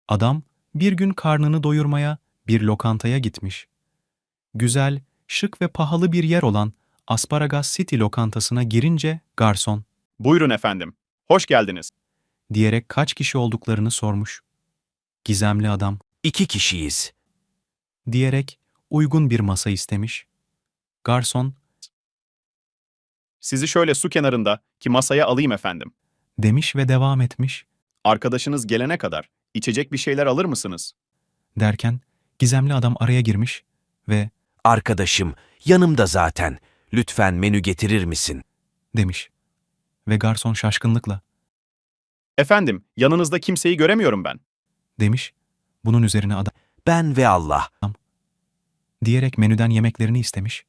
Adam bir gün karnını doyurmaya bir lokantaya gitmiş. Güzel, şık ve pahalı bir yer olan Asparagas City lokantasına girince garson Buyurun efendim. Hoş geldiniz. diyerek kaç kişi olduklarını sormuş. Gizemli adam 2 kişiyiz. diyerek uygun bir masa istemiş. Garson Sizi şöyle su kenarında ki masaya alayım efendim. demiş ve devam etmiş. Arkadaşınız gelene kadar içecek bir şeyler alır mısınız? Derken gizemli adam araya girmiş ve Arkadaşım, yanımda zaten. Lütfen menü getirir misin? demiş. Ve garson şaşkınlıkla Efendim, yanınızda kimseyi göremiyorum ben. demiş. Bunun üzerine adam Ben ve Allah. diyerek menüden yemeklerini istemiş.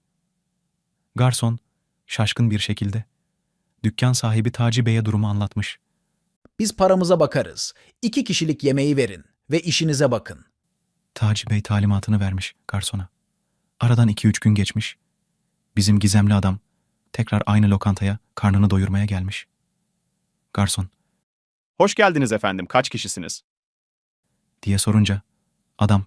Garson şaşkın bir şekilde dükkan sahibi Taci Bey'e durumu anlatmış. Biz paramıza bakarız. 2 kişilik yemeği verin ve işinize bakın. Taci Bey talimatını vermiş garsona. Aradan 2-3 gün geçmiş. Bizim gizemli adam tekrar aynı lokantaya karnını doyurmaya gelmiş. Garson Hoş geldiniz efendim, kaç kişisiniz? diye sorunca adam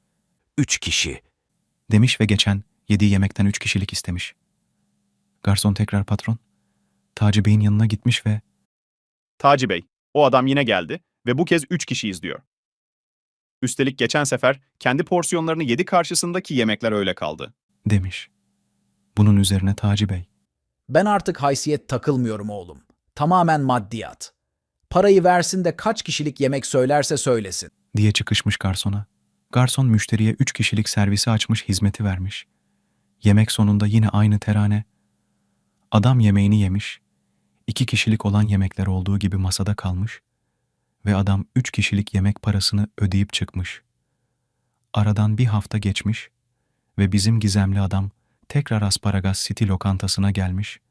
3 kişi. demiş ve geçen yediği yemekten 3 kişilik istemiş. Garson tekrar patron Taci Bey'in yanına gitmiş ve Taci Bey, o adam yine geldi ve bu kez 3 kişiyiz diyor. Üstelik geçen sefer kendi porsiyonlarını yedi karşısındaki yemekler öyle kaldı. demiş. Bunun üzerine Taci Bey Ben artık haysiyet takılmıyorum oğlum. Tamamen maddiyat. Parayı versin de kaç kişilik yemek söylerse söylesin. diye çıkışmış garsona. Garson müşteriye 3 kişilik servisi açmış hizmeti vermiş. Yemek sonunda yine aynı terane. Adam yemeğini yemiş. 2 kişilik olan yemekler olduğu gibi masada kalmış. Ve adam 3 kişilik yemek parasını ödeyip çıkmış. Aradan bir hafta geçmiş. Ve bizim gizemli adam tekrar Asparagas City lokantasına gelmiş.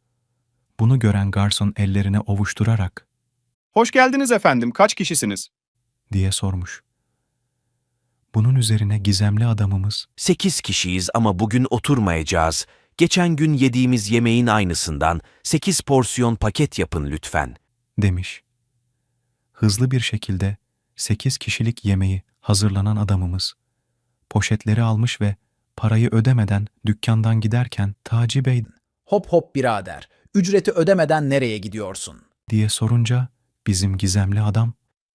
Bunu gören garson ellerine ovuşturarak Hoş geldiniz efendim, kaç kişisiniz? diye sormuş. Bunun üzerine gizemli adamımız 8 kişiyiz ama bugün oturmayacağız. Geçen gün yediğimiz yemeğin aynısından 8 porsiyon paket yapın lütfen. demiş. Hızlı bir şekilde 8 kişilik yemeği hazırlanan adamımız poşetleri almış ve parayı ödemeden dükkandan giderken Taci Bey Hop hop birader. Ücreti ödemeden nereye gidiyorsun? diye sorunca bizim gizemli adam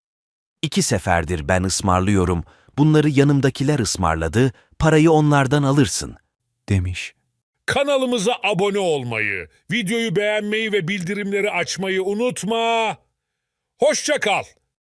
2 seferdir ben ısmarlıyorum. Bunları yanımdakiler ısmarladı. Parayı onlardan alırsın. demiş. Kanalımıza abone olmayı, videoyu beğenmeyi ve bildirimleri açmayı unutma. Hoşça kal.